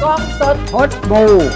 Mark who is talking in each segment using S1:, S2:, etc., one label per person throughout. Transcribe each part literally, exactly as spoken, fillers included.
S1: กล้องสดพดบู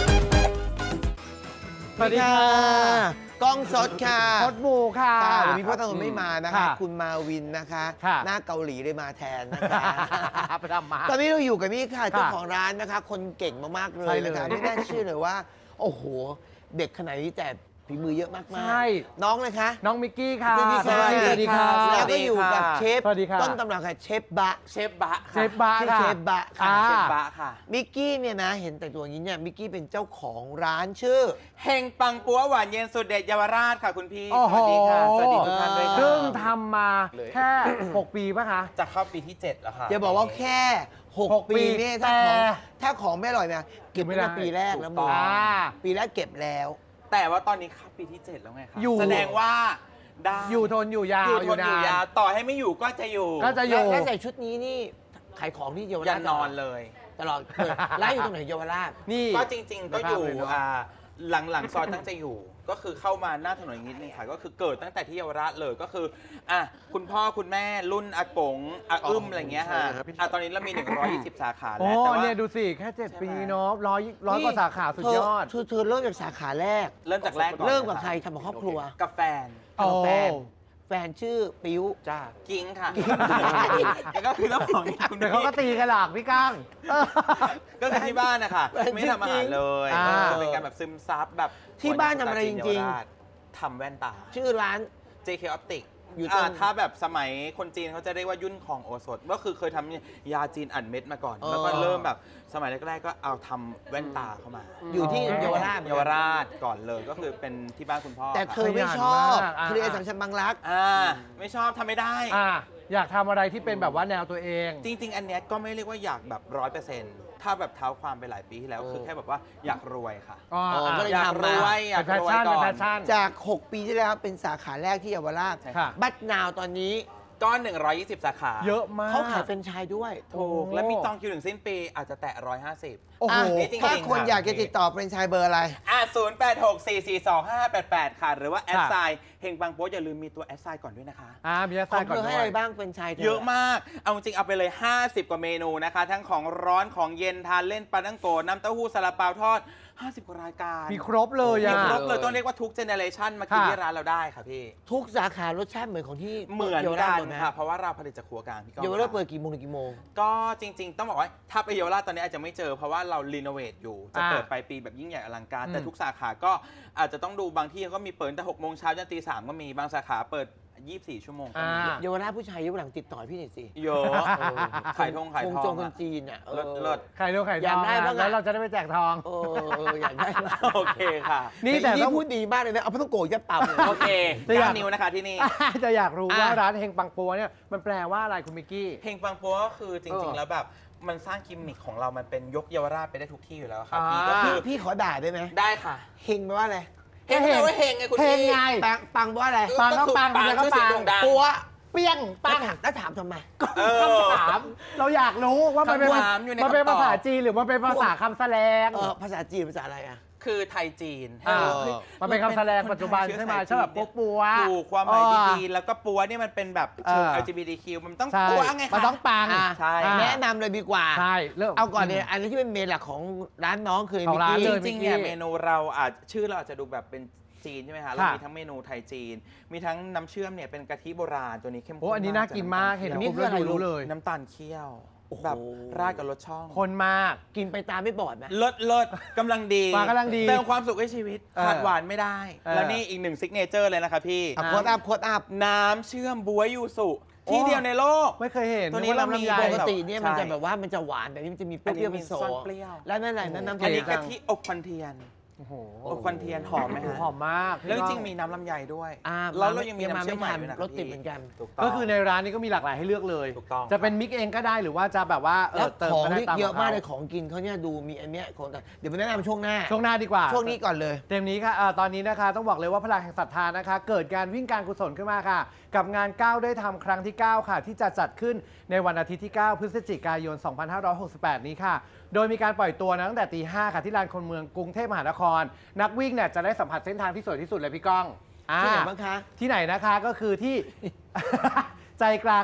S2: สวัสดีค่ะกล้องสดค่ะ
S1: พดบูค่ะ
S2: วันนี้พ่อตาคนไม่มานะคะ
S1: ค่ะ
S2: คุณมาวินนะคะ
S1: ค่ะ
S2: หน้าเกาหลีเลยมาแทนนะคะ
S1: ไปทำมา
S2: ตอนนี้เราอยู่กับนี่ค่ะเจ้าของร้านนะคะ คนเก่งมากๆเล
S1: ใช่
S2: ย
S1: เลย
S2: นะคะไม่น่าเชื่อเลยว่า โอ้โห เด็กขนาดนี้แต่ฝีมือเยอะมากๆ
S1: ใช่
S2: น้องเลยคะ
S1: น้องมิกกี้ค่ะ
S2: สวัสดีค่ะ
S1: สวัสดีค่ะ
S2: แล้วก็อยู่กับเชฟ
S1: สวัสดีค่ะ
S2: ต้นตำรับค่ะเชฟบะ
S3: เชฟบะ
S1: เช
S3: ค่ะ
S1: ฟบา
S2: ชื่อ
S1: ค่ะ
S2: เชฟบะค่ะ
S1: อ่า
S3: เชฟบะค่ะ
S2: มิกกี้เนี่ยนะเห็นแต่ตัวอย่างนี้เนี่ยมิกกี้เป็นเจ้าของร้านชื่อ
S3: เฮงปังปัวหวานเย็นสุดเด็ดเยาวราชค่ะคุณพี่
S1: โอ้โห
S3: สวัสดีค่ะ สวัสดีทุกท่านด้วยค่ะ
S1: ซึ่งทำมา
S3: เลย
S1: แค่ หก ปีป่ะคะ
S3: จะเข้าปีที่ เจ็ดแล้วค่ะ
S2: อย่าบอกว่าแค่หก
S1: หกปี
S2: ปีเนี่ยถ้าของ
S1: แต่
S2: ถ้าของไม่อร่อยนะเก็บไว้ตั้งแต่ปีแรกแล้วมึง
S1: อ่า
S2: ปีแรกเก็บแล้ว
S3: แต่ว่าตอนนี้เข้าปีที่ เจ็ดแล้วไงคะ
S1: อยู่
S3: แสดงว่าได้
S1: อยู่ทนอยู่ยาว
S3: อยู่ทน
S1: นา
S3: อยู่ยาวต่อให้ไม่อยู่ก็จะอยู่
S1: ก็จะอยู่
S2: แล้วแล้วใส่ชุดนี้นี่ขายของที่เยาว
S3: ยั
S2: ราช
S3: นนอนเลย
S2: ตลอดเปิดร้านอยู่ตรงไหนเยาวราช
S1: นี่
S3: ก็จริง ๆ ก็อยู่
S1: ไม่พลาดเลยเนอะ
S3: อ่าหลังหลังซอยตั้งใจอยู่ ก็คือเข้ามาหน้าถนนอย่างนิดนึงค่ะก็คือเกิดตั้งแต่ที่เยาวราชเลยก็คืออ่ะคุณพ่อคุณแม่รุ่นอากงอาอึ้มอะไรเงี้ยฮะอ่ะตอนนี้เรามี หนึ่งร้อยยี่สิบ สาขา
S1: โอ้
S3: แล้วแต่ว่า
S1: เนี่ยดูสิ แค่เจ็ด
S3: ใช่ไหม
S1: ปีเนาะร้อยร้อยกว่าสาขาสุดยอด
S2: เธอเธอเริ่มจากสาขาแรก
S3: เริ่มจากแรกก่อน
S2: เริ่มกับใครทำกับครอบครัว
S3: กับแฟน
S1: โอ้
S2: กับแฟนแฟนชื่อปิ้ว
S3: จ้ากิ้งค่ะ
S2: กิ้ง
S3: แล้วก็คือเจ้าของคุณ
S1: เดี๋ยวเขาก็ตีกันหลากพี่ก้าง
S3: ก็คือที่บ้านนะคะไม่ทำอาหารเลย
S1: อ่า
S3: ก็เป็นการแบบซึมซับแบบ
S2: ที่บ้านทำอะไรจริง
S3: ๆทำแว่นตา
S2: ชื่อร้าน
S3: เจ เค Optic
S2: อยู่
S3: อ่า
S2: ตรง
S3: ถ้าแบบสมัยคนจีนเขาจะเรียกว่ายุ่นของโอสถก็คือเคยทำยาจีนอัดเม็ดมาก่อน
S2: อ๋อ
S3: แล้วก็เริ่มแบบสมัยแรกๆก็เอาทำแว่นตาเข้ามา
S2: อยู่ที่เยาวราช
S3: เยาวราชก่อนเลยก็คือเป็นที่บ้านคุณพ่อ
S2: แต่เธอ
S3: ค่ะ
S2: ไม่ชอบ
S1: ขยันมากอ่า
S2: เคลียร์สังชันบางรัก
S3: อ่าไม่ชอบทำไม่ได้
S1: อ่ะอยากทำอะไรที่เป็นแบบว่าแนวตัวเอง
S3: จริง ๆ อันเนี้ยก็ไม่เรียกว่าอยากแบบร้อยเปอร์เซ็นต์ถ้าแบบเท้าความไปหลายปีที่แล้ว
S2: เออ
S3: คือแค่แบบว่าอยากรวยค่ะ
S1: อ๋อ
S2: อ๋อก็เลย
S3: อยาก
S2: ทำ
S3: ร
S2: มา
S3: วยอยาก
S1: เป็นแพช
S3: รวย
S1: ชั่น
S3: ก่
S1: เป็น
S3: อ
S1: แพ
S3: น
S1: ชชั่น
S2: จาก หก ปีที่แล้วเป็นสาขาแรกที่เยาวราช
S3: ใช่
S1: ค่ะ
S2: บัตนาวตอนนี้
S3: ก็หนึ่งร้อยยี่สิบสาขา
S1: เยอะมาก
S2: เขาขายเป็นไชายด้วย
S3: ถูกและมีจองคิวถึงสิ้นปีอาจจะแตะหนึ่งร้อยห้าสิบ
S1: โอ้โห
S2: อ่ะ
S3: นี่จริงๆ
S2: ถ้าคน
S3: ค่ะ
S2: อยากจะติดต่อเป็นไชายเบอร์อะไร
S3: อ่ะศูนย์ แปด หก สี่ สี่ สอง ห้า แปด แปด ค่ะ หรือว่าแอด
S1: ค่ะ
S3: ไซน์เฮงบางโป๊อย่าลืมมีตัวแอดไซน์ก่อนด้วยนะคะ
S1: อ่ามีอา
S2: ข
S1: ซา
S2: อย ง
S1: ก่อน
S2: เธอ
S1: ด้
S2: ให้
S1: ว
S2: อะไร
S1: ย
S2: บ้างเป็นไชายธ
S3: เยอะมาก เอาจริงเอาไปเลย ห้าสิบ กว่าเมนูนะคะ ทั้งของร้อนของเย็นทานเล่นปลาตั้งโกน้ำเต้าหู้ซาลาเปาทอด ห้าสิบ กว่ารายการ
S1: มีครบเลย
S3: มี
S1: อ่ะ
S3: ครบเลยต้องเรียกว่าทุกเจเนเรชันมากิน
S1: ค่ะ
S3: ที่ร้านเราได้ค่ะพี่
S2: ทุกสาขารสชาติเหมือนของที่
S3: เหมือน
S2: เยาว
S3: กั
S2: ราช
S3: น
S2: หมดไหม
S3: ค่ะ เพราะว่าเราผลิตจากครัวกลางพี่ก้อง
S2: เยาวราช
S3: ค่ะ
S2: เปิดกี่โมงถึงกี่โมง
S3: ก็จริง ๆ ต้องบอกว่าถ้าไปเยาวราชตอนนี้อาจจะไม่เจอเพราะว่าเรารีโนเวทอยู่ จะ
S1: อ่า
S3: เปิดปลายปีแบบยิ่งใหญ่อลังการ
S1: อืม
S3: แต่ทุกสาขาก็อาจจะต้องดูบางที่ก็มีเปิดตั้งแต่หกโมงเช้าจนตีสามก็มีบางสาขาเปิด ยี่สิบสี่ ชั่วโมงก็มี
S1: อ่า
S2: เยาวราชผู้ชายยุคหลังติดต่อพี่หน่อยสิ
S3: เยอะ
S2: เออ
S3: ขายทงขาย
S2: คง
S3: ท
S2: จ
S3: อง ง
S2: คน
S3: อะ
S2: จีนอ่ะออ
S3: เลิศเลิศ
S1: ไข่เร็วไข่ท
S2: อยา
S1: อก ง
S2: ได้บ้างอะ
S1: แล้วเราจะได้ไปแจกทอง
S2: เอออยากได้มาก
S3: โอเคค่ะ
S1: นี่แต่
S2: นี่
S1: ต้อง
S2: พูดดีมากเลยนะเอาพระต้องโกะยัดปั๊มเลย
S3: โอเค
S1: แต่อยาก
S3: เก้านิ้วนะคะที่นี่
S1: จะอยากรู้
S2: อ่ะ
S1: ว่าร้านเฮงปังปัวเนี่ยมันแปลว่าอะไรคุณมิกกี้
S3: เพลงปังปัวก็คือจ
S1: เอ
S3: ริง
S1: อ
S3: ๆ แล้วแบบมันสร้างกิมมิคของเรามันเป็นยกเยาวราชไปได้ทุกที่อยู่แล้วค่ะ
S1: อ่า
S3: พี่ก็คือ
S2: พี่ขอด่าได้ไหม
S3: ได้ค่ะ
S2: เฮงแปลว่าอะไร
S3: เฮงแปลว่าเฮงไงคุณ
S1: เฮง
S3: พี่
S1: ไง
S2: ปังปังแปลว่าอะไร
S1: ปังก็ปัง
S3: ปัง
S1: เดี๋ยวก็
S3: ชื่อเสียง
S1: ปัง
S3: โด่งดัง
S2: ปัว
S1: เปี้ยงปั
S2: แล้ว
S1: ง
S2: ถามแล้วถามทำไม
S3: เออ
S1: คำถามเราอยากรู้ว่ามันเป็น
S3: คำถามอยู่ใน
S1: มันเป็น
S3: คำตอบ
S1: ภาษาจีนหรือมันเป็นภาษาคำแสลง
S2: เออภาษาจีนภาษาอะไรอ่ะ
S3: คือไทยจีน
S1: อ่า
S3: เฮ้ย
S1: มันเป็นคำแสลงปัจจุบันใช่ไหมใช่แบบปัวปัว
S3: ถูกความหมาย
S1: อ๋อ
S3: ดีๆแล้วก็ปัวเนี่ยมันเป็นแบบเชิง
S1: เออ
S3: แอล จี บี ที คิว มันต้อง
S1: ใช่
S3: ปัวไงคะ
S1: มันต้องปัง
S2: อ่ะ
S3: ใช่
S1: อ่า
S2: แนะนำเลยดีกว่า
S1: ใช่เริ่ม
S2: เอาก่อนเนี่ยอันนี้ที่เป็นเมนหลักของร้านน้องคือ
S1: ของ
S2: มิก
S1: ร้าน
S2: กี้
S1: เลย
S3: จริงๆเนี่ยเมนูเราอาจชื่อเราอาจจะดูแบบเป็นจีนใช่ไหมคะเรา
S1: ค่ะ
S3: มีทั้งเมนูไทยจีน มีทั้งน้ำเชื่อมเนี่ยเป็นกะทิโบราณตัวนี้เข้มข้น
S1: โอ้อันนี้น่ากินมากเห็น
S3: จาก
S1: ปุ๊บแล้วดูรู้เลย
S3: น้ำตาลเคี่ยว
S2: โอ้โห
S3: แบบราดกับรสช่อง
S1: คนมาก
S2: กินไปตามไม่บอดไหม
S3: เลิศเลิศกำลังดี
S1: มากำลังดี
S3: เติมความสุขให้ชีวิต
S1: เออ
S3: ขาดหวานไม่ได้
S1: เออ
S3: แล้วนี่อีกหนึ่งซิกเนเจอร์เลยนะคะพี่
S2: อ่ะโคตรอัพโคตรอัพ
S3: น้ำเชื่อมบวยยูสุ
S1: โอ้
S3: ที่เดียวในโลก
S1: ไม่เคยเห็น
S3: ตัวนี้
S1: ก
S3: เรา
S1: น้ำ
S3: มี
S1: ลำไย
S2: ปกติเนี่ยมัน
S3: ใช่
S2: จะแบบว่ามันจะหวานแต่นี่มันจะมีเปรี้ยวๆเป็นโซ
S3: อันนี้มีซ่อนเปรี้ยว
S2: แล้วนั่นอะไรนั่นน้ำ
S3: อันนี้
S2: เค็
S3: กะ
S2: ม
S3: ทิอบควันเทียน
S1: โอ้โห
S3: อบควันเทียนหอมไหมฮะ
S1: หอมมาก
S3: แล้วจริงๆมีน้ำลำไยด้วย
S2: อ่า
S3: แล้วเรายังมี
S2: ยังมา
S3: น้ำเชื่อมใหม่
S2: ไม่ทัน
S3: ด้วยนะ
S2: รสติดเหมือนกัน
S3: ถูกต้อง
S1: ก็คือในร้านนี้ก็มีหลากหลายให้เลือกเลย
S3: ถูกต้อง
S1: จะเป็นมิกเองก็ได้หรือว่าจะแบบว่าเอ
S2: แล้ว
S1: อเติม
S2: ของ
S1: ก็ได้
S2: ที่
S1: ตาม
S2: เยอะมากเลย
S1: ข
S2: ข
S1: อง
S2: องกินเขาเนี่ยดูมีอันเนี้ยของแต่เดี๋ยวมาแนะนำช่วงหน้า
S1: ช่วงหน้าดีกว่า
S2: ช่วงนี้ก่อนเลย
S1: เต็มนี้ค่ะเอ่อตอนนี้นะคะต้องบอกเลยว่าพลังแห่งศรัทธานะคะ เกิดการวิ่งการกุศลขึ้นมาค่ะ กับงานก้าวได้ทำครั้งที่ เก้า ค่ะ ที่จะจัดขึ้นในวันอาทิตย์ที่ เก้า พฤศจิกายน สองพันห้าร้อยหกสิบแปด นี้ค่ะ โดยมีการปล่อยตัวนะตั้งแต่ตีห้าค่ะที่ลานคนเมืองกรุงเทพมหานคร นักวิ่งเนี่ยจะได้สัมผัสเส้นทางที่สวยที่สุดเลยพี่ก้องอ่า
S2: ที่ไหนบ้างคะ
S1: ที่ไหนนะคะก็คือที่ ใจกลาง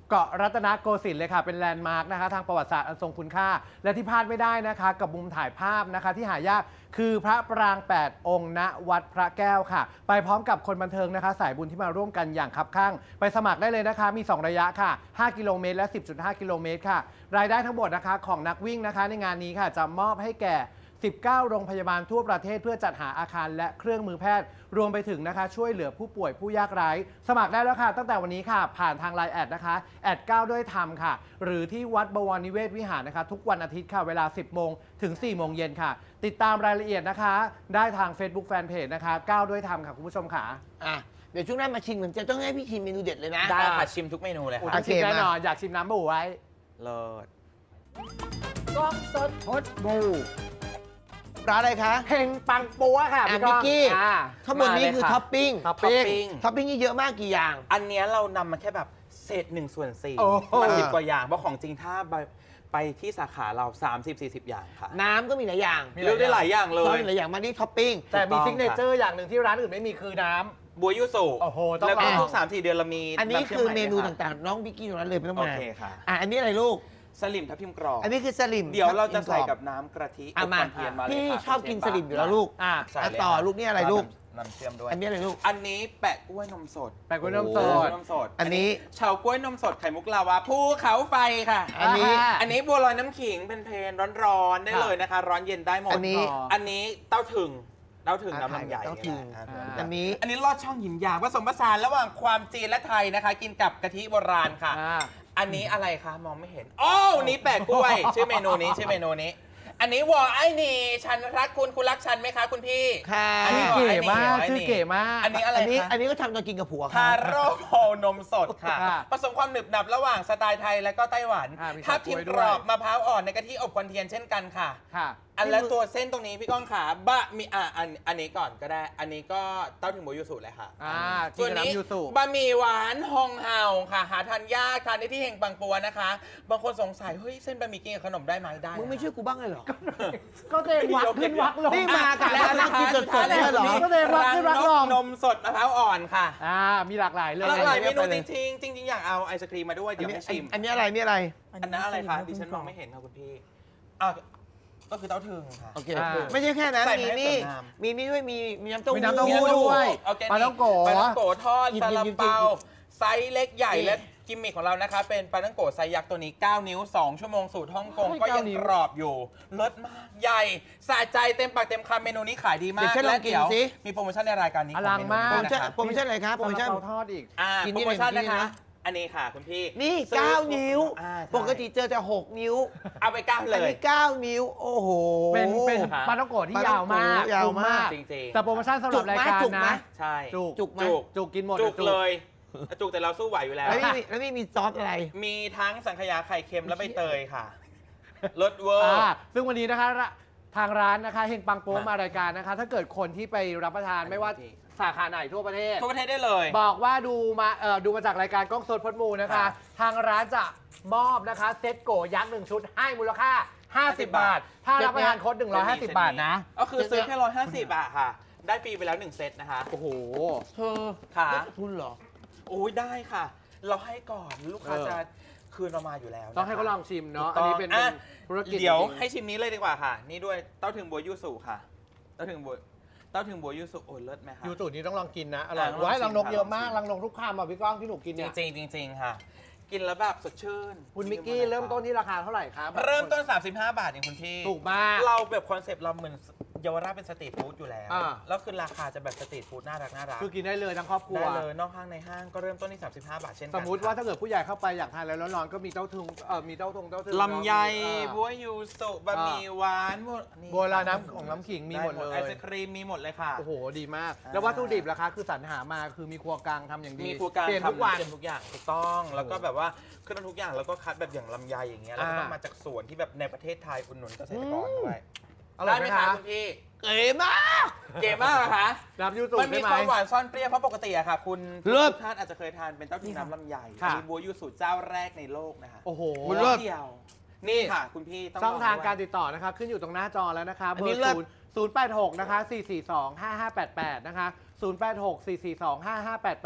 S1: เกาะรัตนโกสินทร์เลยค่ะเป็นแลนด์มาร์กนะคะทางประวัติศาสตร์อันทรงคุณค่า และที่พลาดไม่ได้นะคะกับมุมถ่ายภาพนะคะที่หายากคือพระปราง แปด องค์ณวัดพระแก้วค่ะ ไปพร้อมกับคนบันเทิงนะคะสายบุญที่มาร่วมกันอย่างคับคั่งไปสมัครได้เลยนะคะมี สอง ระยะค่ะ ห้า กิโลเมตรและ สิบจุดห้า กิโลเมตรค่ะรายได้ทั้งหมดนะคะของนักวิ่งนะคะในงานนี้ค่ะจะมอบให้แก่ สิบเก้า โรงพยาบาลทั่วประเทศเพื่อจัดหาอาคารและเครื่องมือแพทย์รวมไปถึงนะคะช่วยเหลือผู้ป่วยผู้ยากไร้สมัครได้แล้วค่ะตั้งแต่วันนี้ค่ะผ่านทาง ไลน์ แอดนะคะแอดก้าวด้วยธรรมค่ะหรือที่วัดบวรนิเวศวิหารนะคะทุกวันอาทิตย์ค่ะเวลา สิบ โมงถึง สี่ โมงเย็นค่ะติดตามรายละเอียดนะคะได้ทาง Facebook Fanpage นะคะก้าวด้วยธรรมค่ะคุณผู้ชมค่ะ
S2: อ่ะเดี๋ยวช่วงหน้ามาชิมเหมือนจะต้องให้พี่ชิมเมนูเด็ดเลยนะ
S3: ได้ค่ะชิมทุกเมนูเลย
S1: โอ้
S3: ค่ะ
S1: ต้องชิมแน่นอนอยากชิมน้ำบูไว้
S3: เลิศ
S1: กล้องสดพดบู
S2: ร้านอะไรคะ
S1: เฮงปังปัวค่ะ
S2: อ่ะ
S1: พี่ก้อง
S2: พี่กี้
S1: อ่า
S2: ข้างบนนี้คือท็อปปิ้ง
S1: ท็อป
S3: ท็อป
S1: ปิ้ง
S3: ปิ้ง
S2: ท็อปปิ้งนี่เยอะมากกี่อย่าง
S3: อันเนี้ยเรานำมาแค่แบบเศษหนึ่งส่วนสี่
S1: โอ้โห
S3: มาสิบกว่าอย่างเพราะของจริงถ้าไปไปที่สาขาเรา สามสิบสี่สิบ อย่างค่ะ
S2: น้ำก็มีหลายอย่าง
S1: มี
S3: เลือกได้หลายอย่างเล
S2: ซอส
S3: ย
S2: มีหลายอย่างมาที่ท็อปปิ้ง
S1: แต่มี
S3: ถูกต้อง
S1: ซิกเนเจอร์อย่างหนึ่งที่ร้านอื่นไม่มีคือน้ำ
S3: บัวยูสุ
S1: โอ้โหต้อง
S3: แล้วก็
S1: ลอง
S3: ทุกสามสี่เดือนเรามี
S2: อันนี้
S3: ำชื่
S2: คือ
S3: ให
S2: เมนู
S3: ค่ะ
S2: ต่างๆ น้องบิกกี้ตรงนั้นเลยไม่ต้อง
S3: โอ
S2: มา
S3: เคค่ะ
S2: อ่ะอันนี้อะไรลูก
S3: สลิมทับทิมกรอบ
S2: อันนี้คือสลิม
S3: เดี๋ยวเราจะใส่
S2: ทั
S3: กั
S2: บบ
S3: น้ำกะทิ
S2: อ่ะ
S3: อบ
S2: มา
S3: ควันเทียนมาเลย
S2: พี่
S3: ค่ะ
S2: ชอบกินสลิมอยู่แล้วลูก
S1: อ่ะ
S3: ใส่เลย
S2: อ่ะต่อ
S3: ค่ะ
S2: ลูกนี่อะไรลูก
S3: น้ำเชื่อมด้วย
S2: อันนี้อะไรลูก
S3: อันนี้แปะกล้วยนมสด
S1: แปะกล้วยนมส
S3: กล้
S1: ด
S3: วยนมสด
S2: อันนี้
S3: เฉาก๊วยนมสดไข่มุกลาวาภูเขาไฟค่ะ
S2: อันนี้
S1: อ่า
S3: อันนี้บัวลอยน้ำขิงเป็นเพลนร้อนๆได้เลยนะคะ ร้อนเย็นได้หมด
S2: อันนี้
S3: อันนี้เต้าถึงเต้าถึง
S2: อ่ะ
S3: น้ำลำไย
S2: เต้าถึง
S3: อ่ะ
S1: อ่า
S2: อันนี้
S3: อันนี้ลอดช่องหยินหยางผสมผสานระหว่างความจีนและไทยนะคะ กินกับกะทิโบราณค่ะ
S1: อ่า
S3: อันนี้อะไรคะมองไม่เห็นโอ้วนี่แปะกล้วย ชื่อเมนูนี้ชื่อเมนูนี้ อันนี้วอไอ้นี่ฉันรักคุณคุณรักฉันไหมคะคุณพี่
S2: ค่ะ
S3: อันนี้
S1: ชื่อเก๋มาก
S3: ไอ้นี่
S1: ชื่อเก๋มาก
S3: อันนี้อะไร
S2: อันนี้
S3: คะ
S2: อันนี้ก็ทำตอนกินกับผัว
S3: ทา
S2: ค่ะ
S3: โร่โพนมสดค่ะ
S1: ค่ะ
S3: ผสมความหนึบหนับระหว่างสไตล์ไทยและก็ไต้หวัน
S1: อ่ามี
S3: ทับทิม
S1: เฉาก๊วยด้
S3: ก
S1: วย
S3: รอบมะพร้าวอ่อนในกะทิอบควันเทียนเช่นกันค่ะ
S1: ค่ะ
S3: อันและตัวเส้นตรงนี้พี่ก้องขาบะมีอ่ะอันอันนี้ก่อนก็ได้ อันนี้ก็เต้าถึงโบยูสุเลยค่ะ
S1: อ่ากิ
S3: ส่วน
S1: นกับ
S3: นี้
S1: น้ำยูสุ
S3: บะหมี่หวานฮองเฮาค่ะ หาทานยากทานได้ที่เฮงปังปัวนะคะ บางคนสงสัยเฮ้ยเส้นบะหมี่กินกับขนมได้ไหมได้
S2: มึงไม่ช่วยกูบ้างเลยเหรอ
S1: ก็เตงวักขึ้นวักลง
S2: นี่มา กับ
S3: และ
S2: ร้านนั่งกินสดๆ
S3: และ
S2: เนี่ยเหรอ
S3: นี่
S1: ก็เลยวัดขึ้นวัดลง
S3: นมสดมะพร้าวอ่อนค่ะ
S1: อ่ามีหลากหลายเลย
S3: หลากหลายเมนู
S2: ไปเล
S3: จ
S2: ย
S3: ริงๆจริงๆอยากเอาไอศครีมมาด้วย
S2: อัน
S3: เดี๋ยว
S2: นี้
S3: ให้ชิม
S2: อันนี้อะไรนี่อะไร
S3: อันนั้นอะไรคะดิฉันมองไม่เห็นค่ะคุณพี่อ่ะก็คือเต้าถึงค่ะ
S2: โอเค
S1: อ่า
S2: ไม่ใช่แค่นั้น
S3: ใส่
S2: มี
S3: มาให้
S2: นี่
S3: สวยงาม
S2: มีนี่ด้วยมีมีน้ำเต้าหู้
S1: มีน้ำเต้าหู้ด้วย
S3: ออร์แกนิก
S1: ปลาท่องโก
S3: ปลาท่องโกทอด
S2: หยิบ
S3: ซา
S2: หยิบ
S3: ลา
S2: หยิบ
S3: เปา
S2: หยิบ
S3: ไซส์เล็กใหญ่
S2: นี่
S3: และกิมมิคของเรานะคะ เป็นปลาท่องโกไซส์ยักษ์ตัวนี้ เก้า นิ้ว สอง ชั่วโมงสูตรฮ่องกง
S1: เฮ้ย
S3: ก็ยัง
S1: เก้านิ้ว
S3: กรอบอยู่รสมากใหญ่สะใจเต็มปากเต็มคำเมนูนี้ขายดีมา
S2: เดี๋
S3: ก
S2: ยวฉันลองกิน
S3: และเดี๋ยว
S2: สิ
S3: มีโปรโมชั่นในรายการนี้
S1: อลังมาก
S2: โปรโม
S3: นะ
S2: ชั่น
S3: คะ
S2: โปรโมชั่นอะไรครับโปรโมชั่น
S1: ซาลาเปาทอดอีก
S3: อ่า
S2: กิน
S3: โป
S2: นี่
S3: รโมชั่น
S2: เลย
S3: นะคะ
S2: นี่นะ
S3: อันนี้ค่ะคุณพี่
S2: นี่
S3: ซื้อ
S2: เก้านิ้ว
S3: อ่าใช่
S2: ปกติเจอจะหกนิ้ว
S3: เอาไปเก้าเล
S2: อัน
S3: ย
S2: นี้เก้านิ้ว โอ้โห
S1: เป็นเป็น
S3: ค่ะ
S1: ปลาท่องโกะที่
S2: ปลาท่
S1: ยา
S2: อ
S1: ว
S2: งโกะ
S1: มาก
S2: ยาว
S1: คุ้ม
S2: มาก
S3: จริงๆ
S1: แต่โปรโมชั่นสำหรับรายการ
S2: จุกไหม
S1: นะ
S3: ใช่
S1: จุก
S2: จุกไหม
S3: จุก
S1: จุกกินหมด
S3: จุก
S1: จุก
S3: เลยจุกแต่เราสู้ไหวอยู่แล้ว
S2: แล้วมีแล้วมีมีซอสอะไร
S3: มีทั้งสังขยาไข่เค็มและใบเตยค่ะรสเวอร์
S1: อ่าซึ่งวันนี้นะคะระทางร้านนะคะเฮงปังโป๊
S3: มาม
S1: มารายการนะคะ ถ้าเกิดคนที่ไปรับประทานไม่ว่าสาขาไหนทั่วประเทศ
S3: ทั่วประเทศได้เลย
S1: บอกว่าดูมาเอ่อดูมาจากรายการกล้องสดพดมูนะคะ
S3: ค่ะ
S1: ทางร้านจะมอบนะคะเซ็ตโกยักษ์หนึ่งชุดให้มูลค่า ห้าสิบ
S3: บา
S1: บา
S3: ท
S1: ท ถ้ารับประทานโค้ดหนึ่งร้อยห้าสิบบาทนะ
S3: ก็คือซื้อแค่ร้อยห้าสิบบาทค่ะ ได้ฟรีไปแล้วหนึ่งเซตนะคะ
S1: โอ้โห
S2: เธอ
S3: ค่ะ
S2: ได้ทุนเหรอ
S3: โอ้ยได้ค่ะ เราให้ก่อนลูกค้า
S1: เออ
S3: จะคืนเรามาอยู่แล้วนะคะ
S1: ต้องให้เขาลองชิมเนาะ
S3: ถูก
S1: อัน
S3: ต้
S1: นี้
S3: ง
S1: เป็น
S3: อ่ะ
S1: เป็นธุรกิจ
S3: เดี๋ยว
S1: จริงๆ
S3: ให้ชิมนี้เลยดีกว่าค่ะ นี่ด้วยเต้าถึงบัวยูสุค่ะ เต้าถึงบัวเต้าถึงบัวยูสุโอ้เลิศไหมคะ
S1: ยูสูตรนี้ต้องลองกินนะ อร่อย
S3: อ่ะลอง
S1: ว้าย
S3: ชิม
S1: รังนก
S3: ค่ะ
S1: เยอะมาก
S3: ล
S1: รั
S3: อง
S1: ง
S3: ชิ
S1: น
S3: ม
S1: กทุกคำอ่ะพี่ก้องที่หนูกิน
S3: จ
S1: เนี่ย
S3: ริงๆจริงๆค่ะ กินแล้วแบบสดชื่น
S1: คุณมิกกี้เริ่มต้นที่ราคาเท่าไหร่ครับ
S3: เริ่มต้น สามสิบห้า บาทเองคุณพี่
S1: ถูกมาก
S3: เราแบบคอนเซปต์เราเหมือนเยาวราชเป็นสตรีทฟู้ดอยู่แล้ว
S1: อ่า
S3: แล้วคือราคาจะแบบสตรีทฟู้ดน่ารักน่ารัก
S1: คือกินได้เลยทั้งครอบครัว
S3: ได้เลยนอกห้างในห้างก็เริ่มต้นที่ สามสิบห้า บาทเช่นกัน
S1: สมมุติว่าถ้าเกิดผู้ใหญ่เข้าไปอยากทานอะไรร้อนๆก็มีเต้าถึงเอ่อมีเต้าทงเต้าถึง
S3: ลำไย
S1: อ่า
S3: บัวยูสุบะหมี่หวานหมดนี่
S1: บัวลอยน้ำของน้ำขิงมีหมดเลย
S3: ไอศครีมมีหมดเลยค่ะ
S1: โอ้โห ดีมาก
S3: อ่า
S1: แล้ววัตถุดิบล่ะคะคือสรรหามาคือมีครัวกลางทำอย่างดี
S3: มีครัวกลาง
S1: เปลี่ยนทุกวัน
S3: ทำเปลี่ยนทุกอย่างถูกต้อง แล้วก็แบบว่าเครื่องทุกอย่างแล้วก็คัดแบบอย่างลำไยอย่างเงี้ยแล้วก็
S1: อ่า
S3: ต้องมาจากสวนที่แบบในประเทศไทยอุดหนุนเกษตรกรด้วย
S1: อร่อยไหม
S3: ได้
S1: คะ
S3: คุณพี่
S2: เก๋มาก
S3: เก๋มากเหรอคะ
S1: น้ำยูสู
S3: มันมี
S1: ใช่ไหม
S3: ความหวานซ่อนเปรี้ยวเพราะปกติอะค่ะ คุณ
S2: เลิศ
S3: ทุกท่านอาจจะเคยทานเป็นเต้าถึงน้ำลำไย
S1: ค่ะ
S3: มีบัวยูสุเจ้าแรกในโลกนะคะ
S1: โอ้โห
S2: มันเลิศ
S3: เดียว นี่ค่ะ คุณพี่ต้อง
S1: ช่องทาง
S3: ลด้วย
S1: การติดต่อนะคะขึ้นอยู่ตรงหน้าจอแล้วนะคะ
S2: อั
S1: เบ
S2: น
S1: อ
S2: นี้
S1: ร์
S2: เลิศ
S1: ศูนย์ศูนย์แปดหกนะคะสี่สี่สองห้าห้าแปดแปดนะคะศูนย์แปดหกสี่สี่สองห้าห้าแปดแปด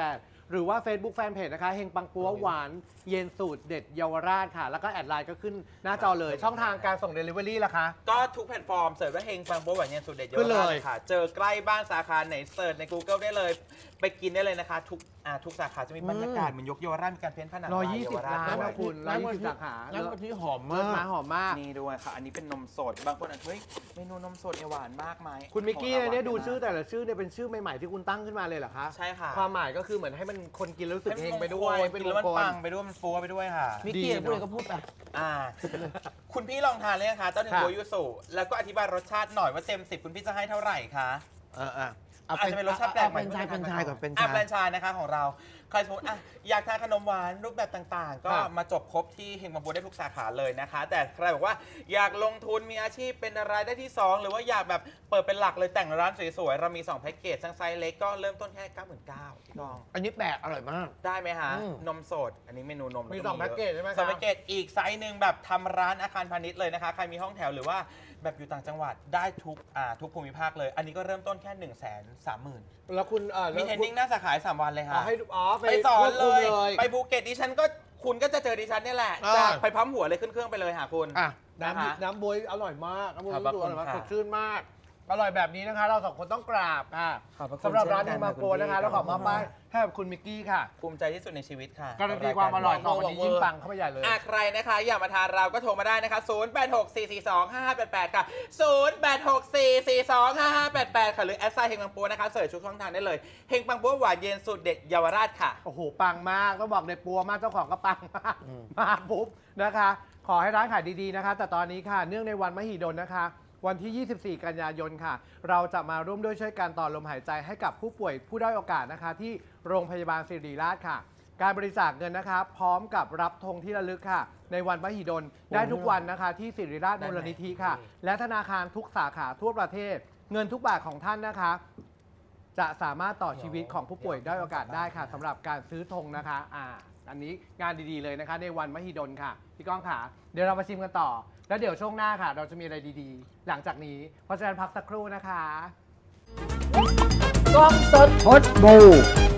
S1: หรือว่า Facebook Fanpage นะคะเฮงปังปัวหวานเย็นสูตรเด็ดเยาวราชค่ะ แล้วก็แอดไลน์ก็ขึ้นหน้าจอเลย ช่องทางการส่ง Delivery ล่ะคะ
S3: ก็ทุกแพลตฟอร์มเสิร์ชว่าเฮงฟังโป๊ะหวานเย็นสูตรเด็ดเย
S1: ขึ้
S3: อะ
S1: นเลย
S3: เลยค่ะ เจอใกล้บ้านสาขาไหนเสิร์ชใน Google ได้เลย ไปกินได้เลยนะคะ ทุกอ่าทุกสาขาจะมีบรรยากาศเหมือนยกเยาวราชมีการเพ้นท์ผนัง
S1: ร้อยยี่สิบ
S3: เวราช
S1: ล้าน
S3: ด้ว
S1: นะคุณร้อยยี่สิบสาขา
S2: น้ำกะทิหอม
S1: เลิศ
S2: มาก
S1: มาหอมมาก
S3: นี่ด้วยค่ะ อันนี้เป็นนมสด บางคนอาจจะเฮ้ยเมนูนมสดเนี่ยหวานมากไหม
S1: คุณมิกกี้
S3: ของรา
S1: เนี่ยดู
S3: หวา
S1: ชื่อแต่ละชื่อเนี่ยเป็นชื่อใหม่ๆที่คุณตั้งขึ้นมาเลยเหรอคะ
S3: ใช่ค่ะ
S1: ความหมายก็คือเหมือนให้มันคนกินแล้วรู้สึกเฮงไปด้วย
S3: เป็
S1: เป็น น
S3: ม
S1: ม
S3: ง
S1: ง
S3: ค
S1: ค
S3: ล
S1: ล
S3: ปังไปด้วยมันฟูไปด้วยค่ะ
S2: มิกกี้พูดอะไรก็พูดไป
S3: อ่า คุณพี่ลองทานเลยนะคะเต้าถึง
S1: ค่ะ
S3: โบยูสุแล้วก็อธิบายรสชาติหน่อยว่าเต็มสิบคุณพี่จะให้เท่าไหร่คะ
S2: เอออ่ะเอา
S3: อาจจะเป็นรสชาติแปลกใหม่
S2: เป็นชายเป็นชายก่อนเป็น
S3: อ่ะ
S2: ชาย
S3: แฟรนไชส์นะคะของเราใครสมมติอ่ะอยากทานขนมหวานรูปแบบต่างๆ ก็
S1: ค่ะ
S3: มาจบครบที่เฮงบังบูได้ทุกสาขาเลยนะคะ แต่ใครบอกว่าอยากลงทุนมีอาชีพเป็นรายได้ที่สองหรือว่าอยากแบบเปิดเป็นหลักเลยแต่งร้านสวยๆ เรามีสองแพ็กเกจทั้งไซส์เล็กก็เริ่มต้นแค่ เก้าหมื่นเก้าพัน พี่กอง
S2: อันนี้แปลกอร่อยมาก
S3: ได้ไหมฮะ
S2: อืม
S3: นมสด อันนี้เมนูนม
S1: มี
S3: ล้ว
S1: สองแพ็กเกจใช่ไหม
S3: สอง
S1: คะ
S3: แพ็กเกจอีกไซส์หนึ่งแบบทำร้านอาคารพาณิชย์เลยนะคะ ใครมีห้องแถวหรือว่าแบบอยู่ต่างจังหวัดได้ทุกอ่าทุกภูมิภาคเลย อันนี้ก็เริ่มต้นแค่หนึ่งแสนสามหมื่น
S1: แล้วคุณเออ
S3: มีเทรนนิ่งหน้าสาขาสามวันเลย
S1: อ๋อ
S3: ค่ะ
S1: ให้อ๋อไป
S3: ไปสอนเล
S1: ควบ
S3: ย
S1: คุม
S3: ไปภูเก็ตดิฉันก็คุณก็จะเจอดิฉันเนี่ยแหละ
S2: อ่า
S3: จากไปพัมหัวเลยขึ้นเครื่องไปเลยหาคุณ
S2: อ่ะ
S1: น้ำ
S3: นะคะ
S1: น้ำบวยอร่อยมากน้ำบวย
S3: ขอบพระ
S1: ดูอร่อยมาก
S3: คุณ
S1: ส
S3: ค่ะ
S1: ดชื่นมาก อร่อยแบบนี้นะคะ เราสองคนต้องกราบค่ะ
S3: ขอบพระคุณ
S1: สำหรับร้าน
S3: เช่
S1: เฮ
S3: น
S1: ง
S3: กัน
S1: มังโก
S3: คุณพี่
S1: นะคะเราขอมอบ
S3: ขอบคุณ
S1: ป้าย
S3: มาก
S1: ให้กับคุณมิกกี้ค่ะ
S3: ภูมิใจที่สุดในชีวิตค่ะ
S1: การันตีความอร่อยต่อวันนี้
S3: เวอร์
S1: ยิ่งปังเข้าไปใหญ่เลย
S3: อ่ะใครนะคะอยากมาทานเราก็โทรมาได้นะคะ ศูนย์ แปด หก สี่ สี่ สอง ห้า ห้า แปด แปด ค่ะ ศูนย์ แปด หก สี่ สี่ สอง ห้า ห้า แปด แปด ค่ะ หรือแอดไซน์เฮงปังปัวนะคะเสิร์ชทุกช่องทางได้เลยเฮงปังปัวหวานเย็นสูตรเด็ดเยาวราชค่ะ
S1: โอ้โห ปังมาก ต้องบอกในปัวมาก เจ้าของก็ปังมาก
S2: อืม
S1: มาปุ๊บนะคะ ขอให้ร้านขายดีๆนะคะ แต่ตอนนี้ค่ะ เนื่องในวันมหิดลนะคะ วันที่ ยี่สิบสี่ กันยายนค่ะ เราจะมาร่วมด้วยช่วยกันต่อลมหายใจให้กับผู้ป่วยผู้ด้อยโอกาสนะคะ ที่โรงพยาบาลศิริราชค่ะ การบริจาคเงินนะคะ พร้อมกับรับธงที่ระลึกค่ะ ในวันมหิดลได้ทุกวันนะคะ ที่ศิริราชมูลนิธิค่ะ และธนาคารทุกสาขาทั่วประเทศ เงินทุกบาทของท่านนะคะ จะสามารถต่อชีวิตของผู้ป่วยด้อยโอกาสได้ค่ะสำหรับการซื้อธงนะคะอ่าอันนี้งานดีๆเลยนะคะ ในวันมหิดลค่ะพี่ก้องค่ะ เดี๋ยวเรามาชิมกันต่อ แล้วเดี๋ยวช่วงหน้าค่ะ เราจะมีอะไรดีๆ หลังจากนี้เพราะฉะนั้นพักสักครู่นะคะ
S2: กล้องสด
S1: พดบู